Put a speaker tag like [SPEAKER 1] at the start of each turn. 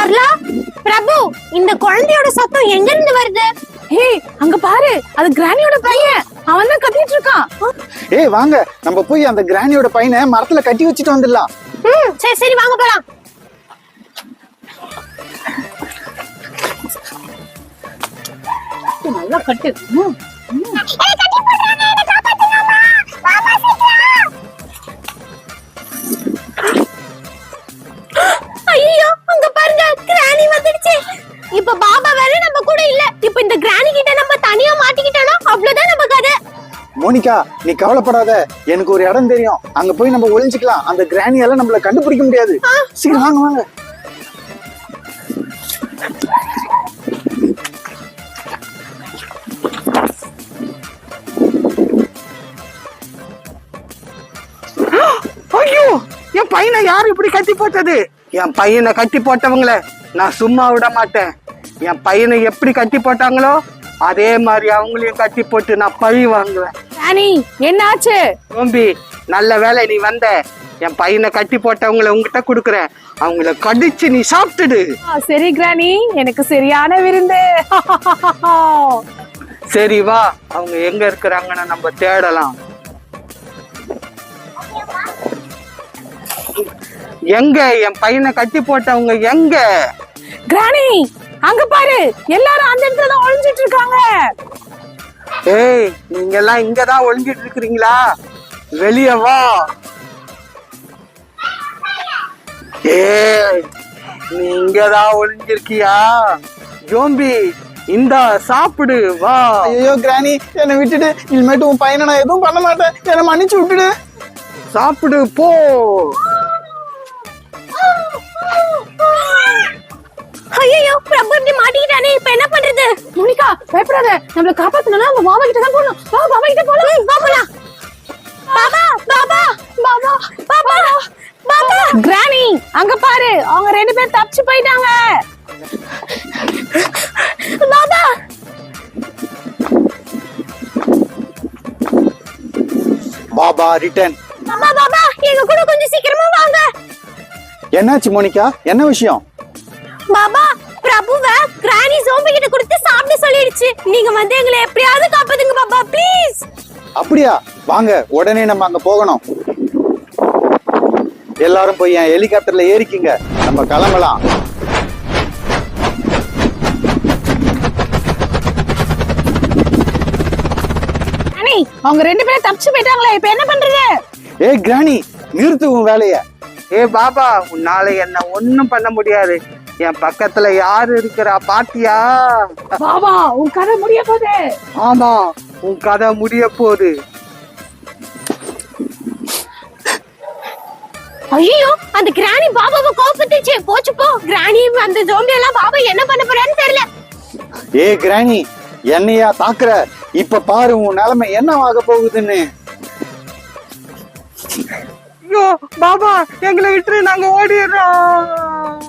[SPEAKER 1] சரளா, பிரபு, இந்த குழந்தையோட சத்தம் எங்க இருந்து வருது?
[SPEAKER 2] ஹே, அங்க பாரு, அது கிராணியோட பையன். அவன் தான் கத்திட்டு இருக்கான்.
[SPEAKER 3] ஏய் வாங்க, நம்ம போய் அந்த கிராணியோட பையனை மரத்துல கட்டி வச்சுட்டு வந்துடலாம்.
[SPEAKER 1] சரி சரி வாங்க போலாம்.
[SPEAKER 2] நல்லா கட்டு.
[SPEAKER 1] ஐயோ, அங்க பாருங்க, கிராணி வந்துடுச்சு. இப்ப பாபா வேற நம்ம கூட இல்ல. இப்ப இந்த கிராணி கிட்ட நம்ம தனியா மாட்டிக்கிட்டோம்னா அவ்வளவுதான் நம்ம கதை.
[SPEAKER 3] மோனிகா, நீ கவலைப்படாத. எனக்கு ஒரு இடம் தெரியும். அங்க போய் நம்ம ஒளிஞ்சுக்கலாம். அந்த கிராணியால நம்மள கண்டுபிடிக்க முடியாது. சீக்கிரம் வாங்க வாங்க.
[SPEAKER 4] ஐயோ, என் பையனை யாரு இப்படி கட்டி போட்டது? என் பையனை கட்டி போட்டவங்கள நான் சும்மா விட மாட்டேன். என் பையனை எப்படி கட்டி போட்டாங்களோ அதே மாதிரி அவங்களையும் கட்டி போட்டு நான் பழி வாங்குவேன்.
[SPEAKER 2] கிராணி, என்னாச்சு?
[SPEAKER 4] தோம்பி, நல்ல வேலை நீ வந்த. என் பையனை கட்டி போட்டவங்களை உங்ககிட்ட குடுக்குறேன். அவங்கள கடிச்சு நீ சாப்பிட்டுடு.
[SPEAKER 2] சரி கிராணி, எனக்கு சரியான விருந்து.
[SPEAKER 4] சரி வா, அவங்க எங்க இருக்கிறாங்கன்னு நம்ம தேடலாம். எங்க என் பையனை கட்டி போட்டவங்க எங்க?
[SPEAKER 2] கிராணி, அங்க பாரு, எல்லாரும் அந்த இடத்துல தான் ஒளிஞ்சிட்டு இருக்காங்க.
[SPEAKER 4] ஏய், நீங்க எல்லாம் இங்கதான் ஒளிஞ்சிட்டு இருக்கிறீங்களா? வெளிய வா. ஏய், நீ இங்கதான் ஒளிஞ்சிருக்கியா? ஜோம்பி, இந்தா சாப்பிடு, வா.
[SPEAKER 3] ஐயோ கிராணி, என்னை விட்டுடு. இனிமேட்டு உன் பையனை நான் எதுவும் பண்ண மாட்டேன். என்னை மன்னிச்சு விட்டுடு.
[SPEAKER 4] சாப்பிடு போ.
[SPEAKER 1] ஐயோ, பிரபு இப்படி மாட்டிக்கிட்டானே, இப்ப என்ன பண்றது?
[SPEAKER 2] மோனிகா, பயப்படாத. நம்மள காப்பாத்தணும்னா நம்ம பாபா கிட்ட தான் போகணும். வா, பாபா கிட்ட போலாம்.
[SPEAKER 1] வா போலாம். பாபா பாபா பாபா பாபா பாபா.
[SPEAKER 2] கிராணி, அங்க பாரு, அவங்க ரெண்டு பேரும் தப்பிச்சு போயிட்டாங்க.
[SPEAKER 1] பாபா
[SPEAKER 3] பாபா ரிட்டர்ன்.
[SPEAKER 1] பாபா பாபா, எங்க கூட கொஞ்சம் சீக்கிரமா வாங்க.
[SPEAKER 3] என்னாச்சு மோனிகா? என்ன விஷயம்?
[SPEAKER 1] பாபா, பிரபுவ கிராணி ஜோம்பி கிட்ட கொடுத்து சாப்பிட சொல்லிடுச்சு. நீங்க வந்து எங்களை எப்படியாவது காப்பாத்துங்க பாபா, ப்ளீஸ்.
[SPEAKER 3] அப்படியா? வாங்க, உடனே நம்ம அங்க போகணும். எல்லாரும் போய் என் ஹெலிகாப்டர்ல ஏறிக்கிங்க. நம்ம கிளம்பலாம்.
[SPEAKER 2] கிராணி, அவங்க ரெண்டு பேரும் தப்பிச்சு போயிட்டாங்களே, இப்ப என்ன பண்றது?
[SPEAKER 3] ஏய் கிராணி, நிறுத்து உன் வேலைய.
[SPEAKER 4] ஏ பாபா, உன்னால என்ன ஒண்ணும் பண்ண முடியாது. என் பக்கத்துல யாரு இருக்கிறா பாத்தியா?
[SPEAKER 2] பாபா, உன் கதை முடிய போகுது.
[SPEAKER 4] ஆமா, உன் கதை முடிய போகுது.
[SPEAKER 1] ஐயோ, அந்த கிராணி பாபாவை கோபத்துச்சு. போச்சு போ. கிராணி அந்த ஜோம்பி எல்லாம் பாபா என்ன பண்ண போறான்னு தெரியல.
[SPEAKER 3] ஏய் கிராணி, என்னையா தாக்குற? இப்ப பாரு உன் நிலைமை என்னவாக போகுதுன்னு.
[SPEAKER 4] ஐயோ பாபா, எங்களை விட்டு நாங்க ஓடிடுறோம்.